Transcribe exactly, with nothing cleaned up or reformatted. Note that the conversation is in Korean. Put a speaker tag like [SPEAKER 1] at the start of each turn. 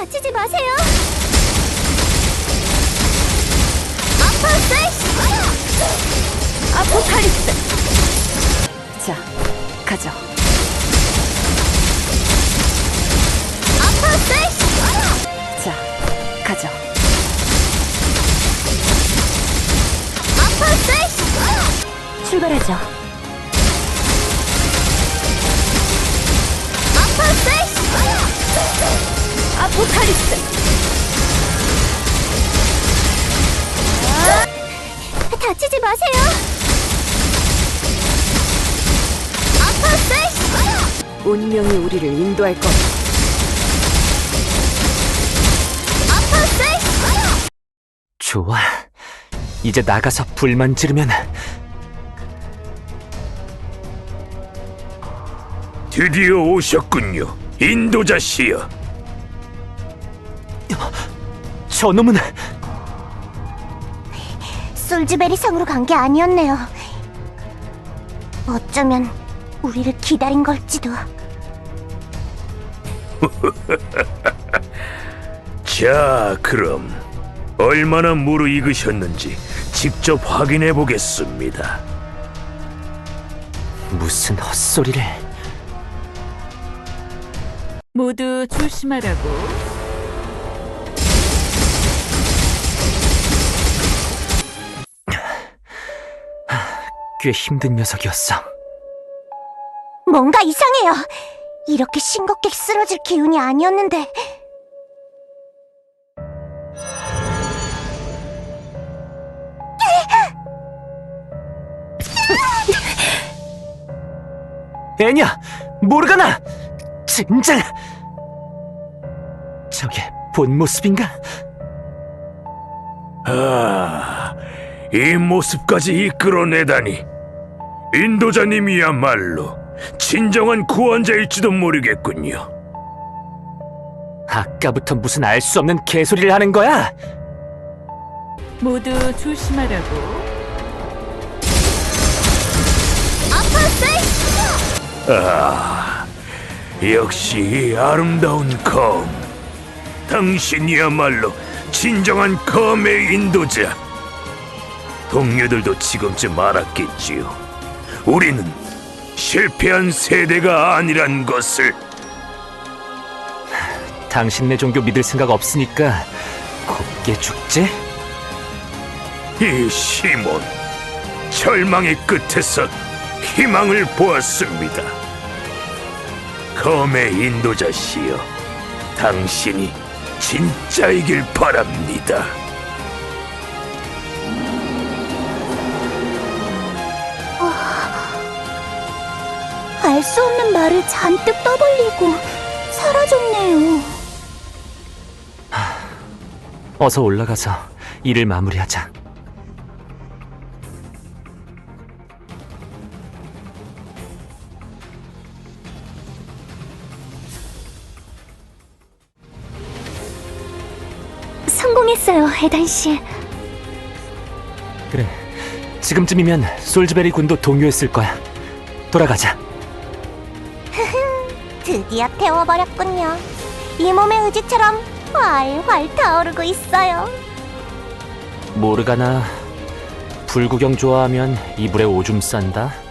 [SPEAKER 1] 다치지 마세요. 아포칼립스! 아포칼립스!
[SPEAKER 2] 자, 가죠.
[SPEAKER 1] 아포칼립스!
[SPEAKER 2] 자, 가죠.
[SPEAKER 1] 아포칼립스!
[SPEAKER 2] 출발하죠.
[SPEAKER 1] 아포칼립스!
[SPEAKER 2] 아포칼립스!
[SPEAKER 1] 다치지 마세요. 아포칼립스!
[SPEAKER 2] 운명이 우리를 인도할 것.
[SPEAKER 1] 아포칼립스!
[SPEAKER 3] 좋아. 이제 나가서 불만 지르면.
[SPEAKER 4] 드디어 오셨군요, 인도자씨여.
[SPEAKER 3] 저놈은
[SPEAKER 1] 솔즈베리 성으로 간 게 아니었네요. 어쩌면 우리를 기다린 걸지도.
[SPEAKER 4] 자, 그럼 얼마나 무르익으셨는지 직접 확인해 보겠습니다.
[SPEAKER 3] 무슨 헛소리를.
[SPEAKER 2] 모두 조심하라고.
[SPEAKER 3] 꽤 힘든 녀석이었어.
[SPEAKER 1] 뭔가 이상해요. 이렇게 싱겁게 쓰러질 기운이 아니었는데.
[SPEAKER 3] 애냐, 모르가나! 젠장! 저게 본 모습인가?
[SPEAKER 4] 아, 이 모습까지 이끌어내다니. 인도자님이야말로 진정한 구원자일지도 모르겠군요.
[SPEAKER 3] 아까부터 무슨 알 수 없는 개소리를 하는 거야?
[SPEAKER 2] 모두 조심하라고.
[SPEAKER 4] 아, 역시 이 아름다운 검. 당신이야말로 진정한 검의 인도자. 동료들도 지금쯤 알았겠지요. 우리는 실패한 세대가 아니란 것을.
[SPEAKER 3] 당신네 종교 믿을 생각 없으니까 곱게 죽지?
[SPEAKER 4] 이 시몬, 절망의 끝에서 희망을 보았습니다. 검의 인도자시여, 당신이 진짜이길 바랍니다.
[SPEAKER 1] 알 수 없는 말을 잔뜩 떠벌리고 사라졌네요.
[SPEAKER 3] 어서 올라가서 일을 마무리하자.
[SPEAKER 1] 성공했어요, 에단 씨.
[SPEAKER 3] 그래, 지금쯤이면 솔즈베리 군도 동요했을 거야. 돌아가자.
[SPEAKER 1] 드디어 태워버렸군요. 이 몸의 의지처럼 활활 타오르고 있어요.
[SPEAKER 3] 모르가나, 불구경 좋아하면 이불에 오줌 싼다.